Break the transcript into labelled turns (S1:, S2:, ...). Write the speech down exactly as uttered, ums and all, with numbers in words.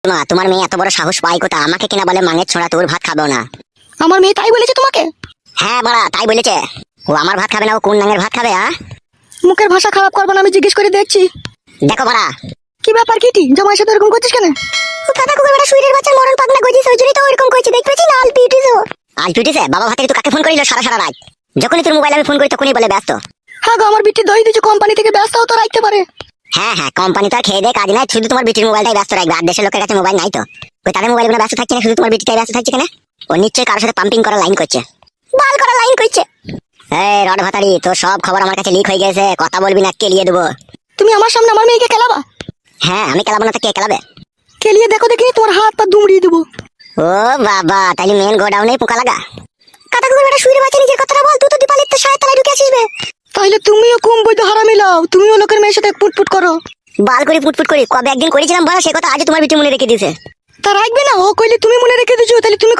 S1: মা, তোমার মেয়ে এত বড় সাহস পায় কোথা? আমাকে কিনা বলে মাঙের ছোড়া, তোর ভাত খাবেও না।
S2: আমার মেয়ে তাই বলেছে তোমাকে?
S1: হ্যাঁ বাড়া, তাই বলেছে। ও আমার ভাত খাবে না, ও কোন নাঙের ভাত খাবে? হ্যাঁ,
S2: মুখের ভাষা খারাপ করবো না, আমি জিজ্ঞেস করে দেখছি।
S1: দেখো বাড়া।
S2: কি ব্যাপার কিটি, জামাইয়ের সাথে এরকম করছিস কেন?
S1: দাদা কুকুর বেটা শুইরের বাচ্চা মরণ পাগনা গজিস, ওই জন্যই তো ওইরকম করছি। দেখতেছি না আল পিটিছো। আল পিটিছে? বাবা ভাতে তুই কাকে ফোন করিল সারা সারা রাত? যখনই তোর মোবাইল আমি ফোন করি তখনই বলে ব্যস্ত।
S2: হ্যাঁ গো, আমার বিটি দই দিচ্ছে কোম্পানি থেকে, ব্যস্ত তো রাখতে পারে।
S1: হ্যাঁ হ্যাঁ, কোম্পানি তো আর খেয়ে দেয় কাজ নাই, শুধু তোমার বিটির মোবাইলটাই ব্যস্ত রাখবে। আর দেশের লোকের কাছে মোবাইল নাই তো, ওই তাদের মোবাইল ব্যস্ত থাকছে না, শুধু তোমার বিটিটাই ব্যস্ত থাকছে কেন? ও নিশ্চয়ই কারোর সাথে পাম্পিং করা লাইন করছে, বাল করা লাইন করছে। এই রড ভাতারি, তোর সব খবর আমার কাছে লিক হয়ে গেছে, কথা বলবি না কেলিয়ে দেবো।
S2: তুমি আমার সামনে আমার মেয়েকে খেলাবা?
S1: হ্যাঁ, আমি খেলাবো না তো কে খেলাবে?
S2: খেলিয়ে দেখো দেখি, তোমার হাত পা দুমড়িয়ে দেবো।
S1: ও বাবা, তাহলে মেন গোডাউনে পোকা লাগা। কথা কুকুর বেটা শুইরে বাচ্চা নিজের কথাটা বল, তুই তো দীপালির তো সায় তলায় ঢুকে আসিস বে।
S2: তাহলে তুমিও কম বৈধ হারামি লাও, তুমিও লোকের মেয়ের সাথে পুটপুট করো।
S1: বাল করে পুটপুট করি কবে একদিন করেছিলাম বলা, সে কথা আজ তোমার বিটি মনে রেখে দিয়েছে।
S2: তা রাখবে না? ও কইলে তুমি মনে রেখে দিছো, তাহলে তুমি